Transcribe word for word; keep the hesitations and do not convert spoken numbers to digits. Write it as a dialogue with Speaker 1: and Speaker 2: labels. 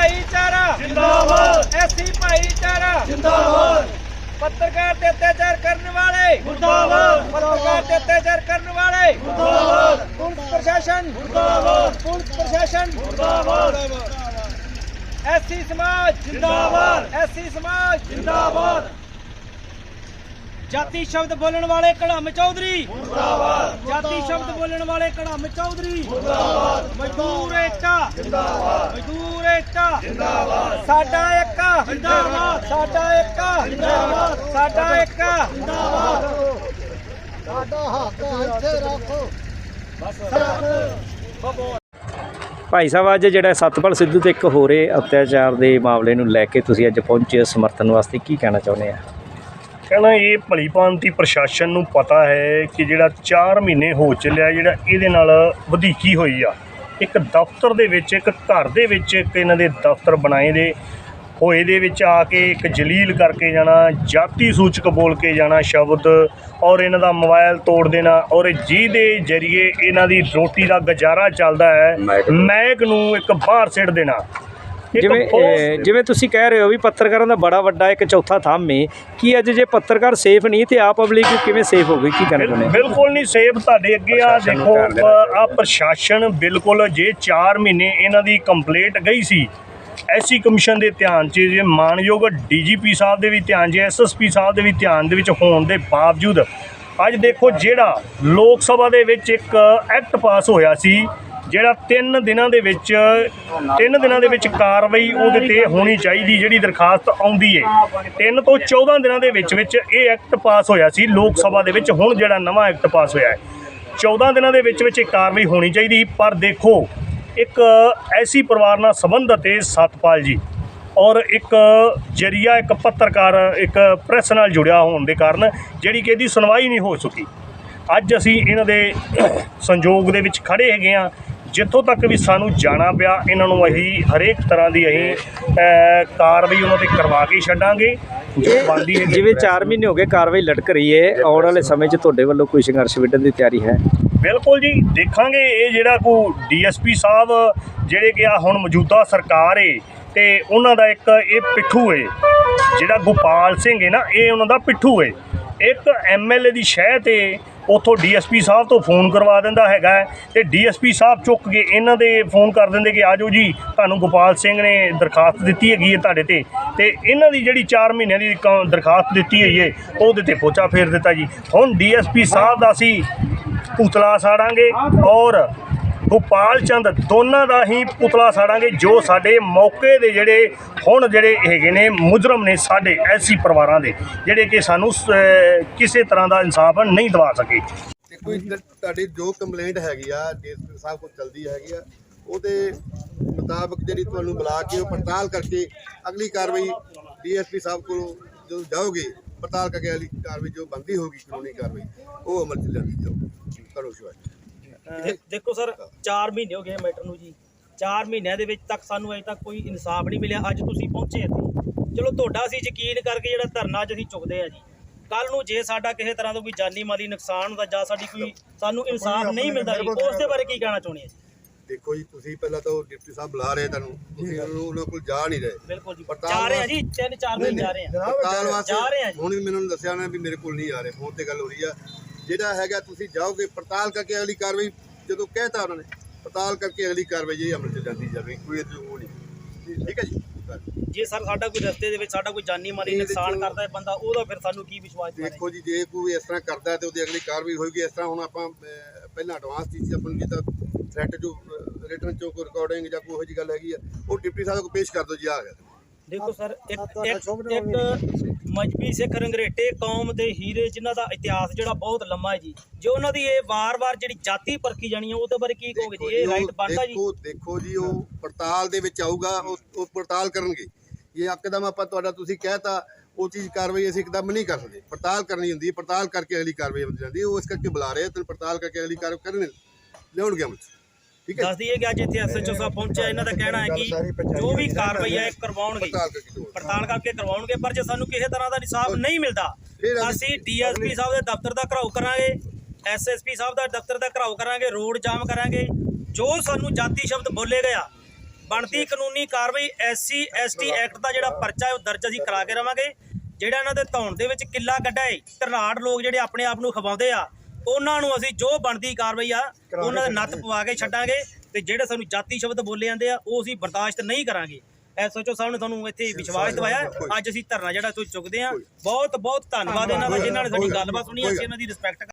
Speaker 1: भाईचारा
Speaker 2: जिंदाबाद,
Speaker 1: एससी भाईचारा
Speaker 2: जिंदाबाद,
Speaker 1: पत्रकार पे अत्याचार करने वाले
Speaker 2: मुर्दाबाद,
Speaker 1: पत्रकार पे अत्याचार करने वाले
Speaker 2: मुर्दाबाद,
Speaker 1: पुलिस प्रशासन
Speaker 2: मुर्दाबाद,
Speaker 1: पुलिस प्रशासन
Speaker 2: मुर्दाबाद,
Speaker 1: एससी समाज
Speaker 2: जिंदाबाद,
Speaker 1: एससी समाज
Speaker 2: जिंदाबाद,
Speaker 1: जाति शब्द बोलने वाले कड़म चौधरी
Speaker 2: मुर्दाबाद,
Speaker 1: जाति शब्द बोलने वाले कड़म चौधरी
Speaker 2: मुर्दाबाद,
Speaker 1: मजदूर एकता
Speaker 2: जिंदाबाद,
Speaker 1: मजदूर एकता
Speaker 2: जिंदाबाद,
Speaker 1: साडा एकता
Speaker 2: जिंदाबाद,
Speaker 1: साडा एकता
Speaker 2: जिंदाबाद,
Speaker 1: साडा एकता
Speaker 2: जिंदाबाद,
Speaker 1: साडा हक ਇੱਥੇ ਰੱਖੋ
Speaker 3: ਭਾਈ ਸਾਹਿਬ ਅੱਜ ਜਿਹੜਾ ਸਤਪਾਲ ਸਿੱਧੂ ਤੇ ਇੱਕ ਹੋਰੇ ਅਤਿਆਚਾਰ ਦੇ ਮਾਮਲੇ ਨੂੰ ਲੈ ਕੇ ਤੁਸੀਂ ਅੱਜ ਪਹੁੰਚੇ ਸਮਰਥਨ ਵਾਸਤੇ, ਕੀ ਕਹਿਣਾ ਚਾਹੁੰਦੇ ਆ?
Speaker 4: ਕਹਿਣਾ ਇਹ ਭਲੀ ਭਾਂਤੀ ਪ੍ਰਸ਼ਾਸਨ ਨੂੰ ਪਤਾ ਹੈ ਕਿ ਜਿਹੜਾ ਚਾਰ ਮਹੀਨੇ ਹੋ ਚੱਲਿਆ ਜਿਹੜਾ ਇਹਦੇ ਨਾਲ ਵਧੀਕੀ ਹੋਈ ਆ। ਇੱਕ ਦਫ਼ਤਰ ਦੇ ਵਿੱਚ, ਇੱਕ ਘਰ ਦੇ ਵਿੱਚ ਇੱਕ ਇਹਨਾਂ ਦੇ ਦਫ਼ਤਰ ਬਣਾਏ ਦੇ ਹੋਏ ਦੇ ਵਿੱਚ ਆ ਕੇ ਇੱਕ ਜਲੀਲ ਕਰਕੇ ਜਾਣਾ, ਜਾਤੀ ਸੂਚਕ ਬੋਲ ਕੇ ਜਾਣਾ ਸ਼ਬਦ, ਔਰ ਇਹਨਾਂ ਦਾ ਮੋਬਾਈਲ ਤੋੜ ਦੇਣਾ, ਔਰ ਜਿਹਦੇ ਜ਼ਰੀਏ ਇਹਨਾਂ ਦੀ ਰੋਟੀ ਦਾ ਗੁਜ਼ਾਰਾ ਚੱਲਦਾ ਹੈ ਮਹਿਕ ਨੂੰ ਇੱਕ ਬਾਹਰ ਸਿੱਟ ਦੇਣਾ।
Speaker 3: ਜਿਵੇਂ ਅਹ, ਜਿਵੇਂ ਤੁਸੀਂ ਕਹਿ ਰਹੇ ਹੋ ਵੀ ਪੱਤਰਕਾਰਾਂ ਦਾ ਬੜਾ ਵੱਡਾ ਇੱਕ ਚੌਥਾ ਥੰਮ ਹੈ, ਕੀ ਅੱਜ ਜੇ ਪੱਤਰਕਾਰ ਸੇਫ ਨਹੀਂ ਤੇ ਆ ਪਬਲਿਕ ਕਿਵੇਂ ਸੇਫ ਹੋਵੇ? ਕੀ ਕਹਿਣਾ ਚਾਹੁੰਦੇ?
Speaker 4: ਬਿਲਕੁਲ ਨਹੀਂ ਸੇਫ। ਤੁਹਾਡੇ ਅੱਗੇ ਆ ਦੇਖੋ, ਆ ਪ੍ਰਸ਼ਾਸਨ ਬਿਲਕੁਲ, ਜੇ ਚਾਰ ਮਹੀਨੇ ਇਹਨਾਂ ਦੀ ਕੰਪਲੇਂਟ ਗਈ ਸੀ ਐਸਸੀ ਕਮਿਸ਼ਨ ਦੇ ਧਿਆਨ 'ਚ, ਜੇ ਮਾਨਯੋਗ ਡੀਜੀਪੀ ਸਾਹਿਬ ਦੇ ਵੀ ਧਿਆਨ 'ਚ, ਐਸਐਸਪੀ ਸਾਹਿਬ ਦੇ ਵੀ ਧਿਆਨ ਦੇ ਵਿੱਚ ਹੋਣ ਦੇ ਬਾਵਜੂਦ ਅੱਜ ਦੇਖੋ ਜਿਹੜਾ ਲੋਕ ਸਭਾ ਦੇ ਵਿੱਚ ਇੱਕ ਐਕਟ ਪਾਸ ਹੋਇਆ ਸੀ, ਜਿਹੜਾ ਤਿੰਨ ਦਿਨਾਂ ਦੇ ਵਿੱਚ ਤਿੰਨ ਦਿਨਾਂ ਦੇ ਵਿੱਚ ਕਾਰਵਾਈ ਉਹਦੇ 'ਤੇ ਹੋਣੀ ਚਾਹੀਦੀ, ਜਿਹੜੀ ਦਰਖਾਸਤ ਆਉਂਦੀ ਹੈ ਤਿੰਨ ਤੋਂ ਚੌਦਾਂ ਦਿਨਾਂ ਦੇ ਵਿੱਚ ਵਿੱਚ ਇਹ ਐਕਟ ਪਾਸ ਹੋਇਆ ਸੀ ਲੋਕ ਸਭਾ ਦੇ ਵਿੱਚ। ਹੁਣ ਜਿਹੜਾ ਨਵਾਂ ਐਕਟ ਪਾਸ ਹੋਇਆ ਹੈ ਚੌਦਾਂ ਦਿਨਾਂ ਦੇ ਵਿੱਚ ਵਿੱਚ ਇਹ ਕਾਰਵਾਈ ਹੋਣੀ ਚਾਹੀਦੀ। ਪਰ ਦੇਖੋ, ਇੱਕ ਐਸੀ ਪਰਿਵਾਰ ਨਾਲ ਸੰਬੰਧਿਤ ਹੈ ਸਤਪਾਲ ਜੀ, ਔਰ ਇੱਕ ਜਰੀਆ ਇੱਕ ਪੱਤਰਕਾਰ ਇੱਕ ਪ੍ਰੈਸ ਨਾਲ ਜੁੜਿਆ ਹੋਣ ਦੇ ਕਾਰਨ ਜਿਹੜੀ ਕਿ ਇਹਦੀ ਸੁਣਵਾਈ ਨਹੀਂ ਹੋ ਸਕੀ। ਅੱਜ ਅਸੀਂ ਇਹਨਾਂ ਦੇ ਸੰਯੋਗ ਦੇ ਵਿੱਚ ਖੜ੍ਹੇ ਹੈਗੇ ਹਾਂ। ਜਿੱਥੋਂ ਤੱਕ ਵੀ ਸਾਨੂੰ ਜਾਣਾ ਪਿਆ, ਇਹਨਾਂ ਨੂੰ ਅਸੀਂ ਹਰੇਕ ਤਰ੍ਹਾਂ ਦੀ ਅਸੀਂ ਕਾਰਵਾਈ ਉਹਨਾਂ 'ਤੇ ਕਰਵਾ ਕੇ ਛੱਡਾਂਗੇ ਜੋ ਬਣਦੀ ਹੈ।
Speaker 3: ਜਿਵੇਂ ਚਾਰ ਮਹੀਨੇ ਹੋ ਗਏ ਕਾਰਵਾਈ ਲਟਕ ਰਹੀ ਹੈ, ਆਉਣ ਵਾਲੇ ਸਮੇਂ 'ਚ ਤੁਹਾਡੇ ਵੱਲੋਂ ਕੋਈ ਸੰਘਰਸ਼ ਵਿੱਢਣ ਦੀ ਤਿਆਰੀ ਹੈ?
Speaker 4: ਬਿਲਕੁਲ ਜੀ, ਦੇਖਾਂਗੇ। ਇਹ ਜਿਹੜਾ ਕੋਈ ਡੀਐਸਪੀ ਸਾਹਿਬ ਜਿਹੜੇ ਕਿ ਆ ਹੁਣ ਮੌਜੂਦਾ ਸਰਕਾਰ ਏ ਤੇ ਉਹਨਾਂ ਦਾ ਇੱਕ ਇਹ ਪਿੱਠੂ ਏ, ਜਿਹੜਾ ਗੋਪਾਲ ਸਿੰਘ ਹੈ ਨਾ, ਇਹ ਉਹਨਾਂ ਦਾ ਪਿੱਠੂ ਏ। ਇੱਕ ਐਮਐਲਏ ਦੀ ਸ਼ਹਿ 'ਤੇ ਉੱਥੋਂ ਡੀਐਸਪੀ ਸਾਹਿਬ ਤੋਂ ਫੋਨ ਕਰਵਾ ਦਿੰਦਾ ਹੈਗਾ ਤੇ ਡੀਐਸਪੀ ਸਾਹਿਬ ਚੁੱਕ ਕੇ ਇਹਨਾਂ ਦੇ ਫੋਨ ਕਰ ਦਿੰਦੇ ਕਿ ਆ ਜਾਓ ਜੀ, ਤੁਹਾਨੂੰ ਗੋਪਾਲ ਸਿੰਘ ਨੇ ਦਰਖਾਸਤ ਦਿੱਤੀ ਹੈਗੀ ਹੈ ਤੁਹਾਡੇ 'ਤੇ, ਤੇ ਇਹਨਾਂ ਦੀ ਜਿਹੜੀ ਚਾਰ ਮਹੀਨਿਆਂ ਦੀ ਕ ਦਰਖਾਸਤ ਦਿੱਤੀ ਹੋਈ ਹੈ ਉਹਦੇ 'ਤੇ ਪੋਚਾ ਫੇਰ ਦਿੱਤਾ ਜੀ। ਹੁਣ ਡੀਐਸਪੀ ਸਾਹਿਬ ਦਾ ਅਸੀਂ ਪੁਤਲਾ ਸਾੜਾਂਗੇ ਔਰ ਗੋਪਾਲ ਚੰਦ ਦੋਨਾਂ ਦਾ ਹੀ ਪੁਤਲਾ ਸਾੜਾਂਗੇ, ਜੋ ਸਾਡੇ ਮੌਕੇ ਦੇ ਜਿਹੜੇ ਹੁਣ ਜਿਹੜੇ ਹੈਗੇ ਨੇ ਮੁਜਰਮ ਨੇ ਸਾਡੇ ਐਸੀ ਪਰਿਵਾਰਾਂ ਦੇ, ਜਿਹੜੇ ਕਿ ਸਾਨੂੰ ਕਿਸੇ ਤਰ੍ਹਾਂ ਦਾ ਇਨਸਾਫ ਨਹੀਂ ਦਿਵਾ ਸਕੇ।
Speaker 5: ਕੋਈ ਤੁਹਾਡੀ ਜੋ ਕੰਪਲੇਂਟ ਹੈਗੀ ਆ ਡੀਐਸਪੀ ਸਾਹਿਬ ਕੋਲ ਚਲਦੀ ਹੈਗੀ ਆ, ਉਹਦੇ ਮੁਤਾਬਕ ਜਿਹੜੀ ਤੁਹਾਨੂੰ ਬੁਲਾ ਕੇ ਉਹ ਪੜਤਾਲ ਕਰਕੇ ਅਗਲੀ ਕਾਰਵਾਈ ਡੀਐਸਪੀ ਸਾਹਿਬ ਕੋਲ ਜਦੋਂ ਜਾਓਗੇ, ਪੜਤਾਲ ਕਰਕੇ ਅਗਲੀ ਕਾਰਵਾਈ ਜੋ ਬਣਦੀ ਹੋਊਗੀ ਕਾਨੂੰਨੀ ਕਾਰਵਾਈ ਉਹ ਅਮਲ 'ਚ ਲਿਆਂਦੀ ਜਾਊਗੀ। ਕਰੋ ਸ਼ੁਰੂ।
Speaker 6: ਦੇਖੋ ਸਰ, ਚਾਰ ਮਹੀਨੇ ਹੋ ਗਏ ਮੈਟਰ ਨੂੰ ਜੀ। ਚਾਰ ਮਹੀਨਿਆਂ ਦੇ ਵਿੱਚ ਤੱਕ ਸਾਨੂੰ ਅਜੇ ਤੱਕ ਕੋਈ ਇਨਸਾਫ ਨਹੀਂ ਮਿਲਿਆ। ਅੱਜ ਤੁਸੀਂ ਪਹੁੰਚੇ ਇੱਥੇ, ਚਲੋ ਤੁਹਾਡਾ ਅਸੀਂ ਯਕੀਨ ਕਰਕੇ ਜਿਹੜਾ ਧਰਨਾ ਅੱਜ ਅਸੀਂ ਚੁੱਕਦੇ ਆ ਜੀ, ਕੱਲ ਨੂੰ ਜੇ ਸਾਡਾ ਕਿਸੇ ਤਰ੍ਹਾਂ ਦਾ ਕੋਈ ਜਾਨੀ ਮਾਲੀ ਨੁਕਸਾਨ ਹੁੰਦਾ ਜਾਂ ਸਾਡੀ ਕੋਈ ਸਾਨੂੰ ਇਨਸਾਫ ਨਹੀਂ ਮਿਲਦਾ ਜੀ, ਉਸ ਦੇ ਬਾਰੇ ਕੀ ਕਹਿਣਾ ਚਾਹੁੰਦੇ ਆ ਜੀ?
Speaker 5: ਦੇਖੋ ਜੀ, ਤੁਸੀਂ ਪਹਿਲਾਂ ਤਾਂ ਡਿਪਟੀ ਸਾਹਿਬ ਬੁਲਾ ਰਹੇ ਤੁਹਾਨੂੰ, ਤੁਸੀਂ ਉਹਨਾਂ ਕੋਲ ਜਾ ਨਹੀਂ ਰਹੇ।
Speaker 6: ਬਿਲਕੁਲ ਜੀ, ਜਾ ਰਹੇ ਆ ਜੀ, ਤਿੰਨ ਚਾਰ ਦਿਨ ਜਾ ਰਹੇ ਆ
Speaker 5: ਪੜਤਾਲ ਵਾਸਤੇ
Speaker 6: ਜਾ ਰਹੇ ਆ ਜੀ।
Speaker 5: ਹੁਣ ਵੀ ਮੈਨੂੰ ਦੱਸਿਆ ਉਹਨਾਂ ਵੀ ਮੇਰੇ ਕੋਲ ਨਹੀਂ ਆ ਰਹੇ, ਫੋਨ ਤੇ ਗੱਲ ਹੋ ਰਹੀ ਆ। ਜਿਹੜਾ ਹੈਗਾ ਤੁਸੀਂ ਜਾਓਗੇ, ਪੜਤਾਲ ਕਰਕੇ ਅਗਲੀ ਕਾਰਵਾਈ ਜਦੋਂ ਕਹਿਤਾ ਉਹਨਾਂ ਨੇ, ਪੜਤਾਲ ਕਰਕੇ ਅਗਲੀ ਕਾਰਵਾਈ ਜਿਹੜੀ ਅਮਲ 'ਚ ਜਾਂਦੀ ਜਾਵੇ, ਕੋਈ ਉਹ ਨਹੀਂ। ਠੀਕ ਹੈ ਜੀ।
Speaker 6: ਜੇ ਸਰ ਸਾਡਾ ਕੋਈ ਰਸਤੇ ਦੇ ਵਿੱਚ ਸਾਡਾ ਕੋਈ ਜਾਨੀ ਮਾਲੀ ਨੁਕਸਾਨ ਕਰਦਾ ਹੈ ਬੰਦਾ, ਉਹਦਾ ਫਿਰ ਸਾਨੂੰ ਕੀ ਵਿਸ਼ਵਾਸ?
Speaker 5: ਦੇਖੋ ਜੀ, ਜੇ ਕੋਈ ਇਸ ਤਰ੍ਹਾਂ ਕਰਦਾ ਤੇ ਉਹਦੀ ਅਗਲੀ ਕਾਰਵਾਈ ਹੋਏਗੀ। ਇਸ ਤਰ੍ਹਾਂ ਹੁਣ ਆਪਾਂ ਪਹਿਲਾਂ ਐਡਵਾਂਸ ਚੀਜ਼ ਆਪਾਂ ਨੂੰ ਜਿੱਦਾਂ ਥ੍ਰੈਟ ਜੋ ਰਿਟਰਨ ਚੋਂ ਕੋਈ ਰਿਕਾਰਡਿੰਗ ਜਾਂ ਕੋਈ ਇਹੋ ਜਿਹੀ ਗੱਲ ਹੈਗੀ ਆ, ਉਹ ਡਿਪਟੀ ਸਾਹਿਬ ਕੋਲ ਪੇਸ਼ ਕਰ ਦਿਓ ਜੀ। ਆ ਗਿਆ।
Speaker 6: ਦੇਖੋ ਸਰ, ਇੱਕ ਇੱਕ ਮਜਬੀ ਸਿੱਖ ਰੰਗਰੇਟੇ ਕੌਮ ਦੇ ਹੀਰੇ ਜਿਨ੍ਹਾਂ ਦਾ ਇਤਿਹਾਸ ਜਿਹੜਾ ਬਹੁਤ ਲੰਮਾ ਹੈ ਜੀ, ਜੇ ਉਹਨਾਂ ਦੀ ਇਹ ਵਾਰ-ਵਾਰ ਜਿਹੜੀ ਜਾਤੀ ਪਰਖੀ ਜਾਣੀ ਹੈ ਉਹਦੇ ਬਾਰੇ ਕੀ ਕਹੋਗੇ ਜੀ? ਇਹ ਰਾਈਟ ਬਣਦਾ ਜੀ?
Speaker 5: ਦੇਖੋ ਜੀ, ਉਹ ਪੜਤਾਲ ਦੇ ਵਿੱਚ ਆਊਗਾ, ਉਹ ਪੜਤਾਲ ਕਰਨਗੇ। ਜੇ ਇੱਕਦਮ ਆਪਾਂ ਤੁਹਾਡਾ ਤੁਸੀਂ ਕਹਿਤਾ ਉਹ ਚੀਜ਼ ਕਾਰਵਾਈ ਅਸੀਂ ਇੱਕਦਮ ਨਹੀਂ ਕਰ ਸਕਦੇ, ਪੜਤਾਲ ਕਰਨੀ ਹੁੰਦੀ ਹੈ। ਪੜਤਾਲ ਕਰਕੇ ਅਗਲੀ ਕਾਰਵਾਈ ਹੋ ਜਾਂਦੀ ਹੈ। ਉਹ ਇਸ ਕਰਕੇ ਬੁਲਾ ਰਹੇ ਤੇ ਪੜਤਾਲ ਕਰਕੇ ਅਗਲੀ ਕਾਰਵਾਈ ਕਰਨ ਲਿਆਉਣਗੇ ਅਮਲ 'ਚ। ਠੀਕ ਹੈ।
Speaker 6: ਦੱਸ ਦਈਏ ਕਿ ਅੱਜ ਇੱਥੇ ਐਸਐਚਓ ਸਾਹਿਬ ਪਹੁੰਚਿਆ, ਇਹਨਾਂ ਦਾ ਕਹਿਣਾ ਹੈ ਕਿ ਜੋ ਵੀ ਕਾਰਵਾਈ ਹੈ ਕਰਵਾਉਣਗੇ, ਪੜਤਾਲ ਕਰਕੇ ਕਰਵਾਉਣਗੇ। ਪਰ ਜੇ ਸਾਨੂੰ ਕਿਸੇ ਤਰ੍ਹਾਂ ਦਾ ਇਨਸਾਫ ਨਹੀਂ ਮਿਲਦਾ, ਅਸੀਂ ਡੀਐਸਪੀ ਸਾਹਿਬ ਦੇ ਦਫ਼ਤਰ ਦਾ ਘਰਾਓ ਕਰਾਂਗੇ, ਐਸਐਸਪੀ ਸਾਹਿਬ ਦਾ ਦਫ਼ਤਰ ਦਾ ਘਰਾਓ ਕਰਾਂਗੇ, ਰੋਡ ਜਾਮ ਕਰਾਂਗੇ। ਜੋ ਸਾਨੂੰ ਜਾਤੀ ਸ਼ਬਦ ਬੋਲੇ ਗਿਆ, ਬਣਦੀ ਕਾਨੂੰਨੀ ਕਾਰਵਾਈ ਐਸਸੀ ਐਸਟੀ ਐਕਟ ਦਾ ਜਿਹੜਾ ਪਰਚਾ ਹੈ ਉਹ ਦਰਜ ਅਸੀਂ ਕਰਾ ਕੇ ਰਵਾਂਗੇ। ਜਿਹੜਾ ਇਹਨਾਂ ਦੇ ਧੌਣ ਦੇ ਵਿੱਚ ਕਿੱਲਾ ਕੱਢਾ ਏ ਧਰਨਾੜ ਲੋਕ ਜਿਹੜੇ ਆਪਣੇ ਆਪ ਨੂੰ ਖਵਾਉਂਦੇ ਆ, ਉਹਨਾਂ ਨੂੰ ਅਸੀਂ ਜੋ ਬਣਦੀ ਕਾਰਵਾਈ ਆ ਉਹਨਾਂ ਦੇ ਨੱਥ ਪਵਾ ਕੇ ਛੱਡਾਂਗੇ। ਤੇ ਜਿਹੜੇ ਸਾਨੂੰ ਜਾਤੀ ਸ਼ਬਦ ਬੋਲੇ ਜਾਂਦੇ ਆ ਉਹ ਅਸੀਂ ਬਰਦਾਸ਼ਤ ਨਹੀਂ ਕਰਾਂਗੇ। ਐਸਐਚਓ ਸਾਹਿਬ ਨੇ ਤੁਹਾਨੂੰ ਇੱਥੇ ਵਿਸ਼ਵਾਸ ਦਿਵਾਇਆ। ਅੱਜ ਅਸੀਂ ਧਰਨਾ ਜਿਹੜਾ ਇੱਥੋਂ ਚੁੱਕਦੇ ਆ। ਬਹੁਤ ਬਹੁਤ ਧੰਨਵਾਦ ਇਹਨਾਂ ਦਾ ਜਿਨ੍ਹਾਂ ਨੇ ਸਾਡੀ ਗੱਲਬਾਤ ਸੁਣੀ। ਅਸੀਂ ਇਹਨਾਂ ਦੀ ਰਿਸਪੈਕਟ